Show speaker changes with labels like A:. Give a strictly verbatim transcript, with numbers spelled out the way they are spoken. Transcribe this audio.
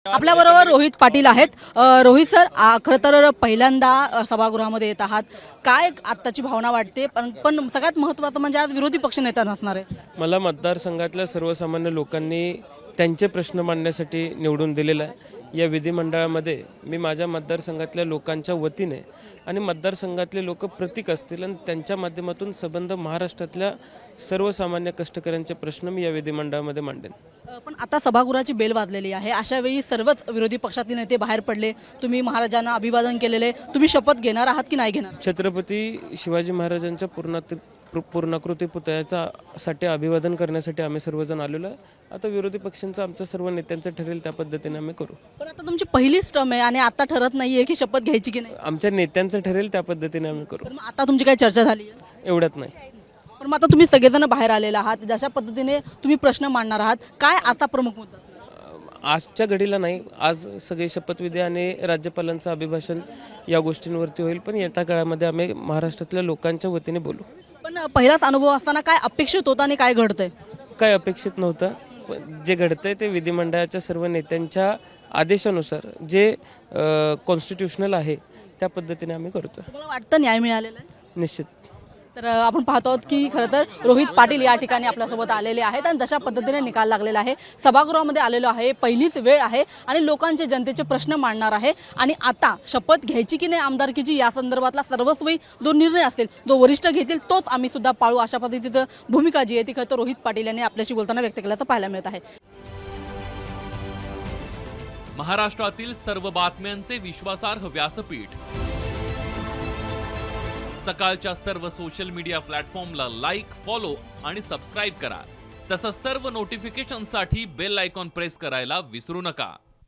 A: आपल्याबरोबर रोहित पाटील आहेत. अ, रोहित सर, आ, खरं तर पहिल्यांदा अ, सभागृहामध्ये येत आहात. काय आत्ताची भावना वाटते? पण पण सगळ्यात महत्त्वाचं म्हणजे आज विरोधी पक्षनेता नसणार आहे.
B: मला मतदारसंघातल्या सर्वसामान्य लोकांनी त्यांचे प्रश्न मांडण्यासाठी निवडून दिलेलं आहे. या विधिमंडळामध्ये मी माझ्या मतदारसंघातल्या लोकांच्या वतीने आणि मतदारसंघातले लोक प्रतीक असतील आणि त्यांच्या माध्यमातून संबंध महाराष्ट्रातल्या सर्वसामान्य कष्टकऱ्यांचे प्रश्न मी या विधिमंडळामध्ये मांडेन.
A: अ, पण आता सभागृहाची बेल वाजलेली आहे. अशा वेळी सर्वच विरोधी पक्षातील नेते बाहेर पडले. तुम्ही महाराजांना अभिवादन केलेले. तुम्ही शपथ घेणार आहात की नाही घेणार?
B: छत्रपती शिवाजी महाराजांच्या पूर्णात पूर्णाकृती पुतळ्याचा साठी अभिवादन करण्यासाठी आम्ही सर्वजण आलेलो आहे. आता विरोधी पक्षांचं आमचं सर्व नेत्यांचं ठरेल त्या पद्धतीने आम्ही करू.
A: पण आता तुमची पहिलीच टर्म आहे आणि आता ठरत नाहीये की शपथ घ्यायची की नाही.
B: आमच्या नेत्यांचं ठरेल त्या पद्धतीने आम्ही करू.
A: पण मग आता तुमची काही चर्चा झाली आहे?
B: एवढ्यात नाही.
A: पण मग आता तुम्ही सगळेजण बाहेर आलेला आहात. जशा पद्धतीने तुम्ही प्रश्न मांडणार आहात, काय आता प्रमुख मुद्दा?
B: आजच्या घडीला नाही. आज सगळे शपथविधी आणि राज्यपालांचं अभिभाषण या गोष्टींवरती होईल. पण येत्या काळामध्ये आम्ही महाराष्ट्रातल्या लोकांच्या वतीने बोलू.
A: पण पहिलाच अनुभव असताना काय अपेक्षित होतं आणि काय घडतंय?
B: काय अपेक्षित नव्हतं. पण जे घडतंय ते विधिमंडळाच्या सर्व नेत्यांच्या आदेशानुसार जे कॉन्स्टिट्यूशनल आहे त्या पद्धतीने आम्ही करतो.
A: तुम्हाला वाटतं न्याय मिळालेला आहे?
B: निश्चित.
A: तर अ, आपण पाहतो आहोत की खरं तर रोहित पाटील या ठिकाणी आपल्यासोबत आलेले आहेत आणि जशा पद्धतीने निकाल लागलेला आहे. सभागृहामध्ये आलेलो आहे, पहिलीच वेळ आहे आणि लोकांचे जनतेचे प्रश्न मांडणार आहे. आणि आता शपथ घ्यायची की नाही आमदारकीची या संदर्भातला सर्वस्वी जो निर्णय असेल, जो वरिष्ठ घेतील तोच आम्ही सुद्धा पाळू, अशा पद्धतीचं भूमिका जी आहे ती खरं तर रोहित पाटील यांनी आपल्याशी बोलताना व्यक्त केल्याचं पाहायला मिळत आहे.
C: महाराष्ट्रातील सर्व बातम्यांचे विश्वासार्ह व्यासपीठ, सकाळच्या सर्व सोशल मीडिया प्लॅटफॉर्मला लाईक, फॉलो आणि सबस्क्राईब करा. तसंच सर्व नोटिफिकेशनसाठी बेल आयकॉन प्रेस करायला विसरू नका.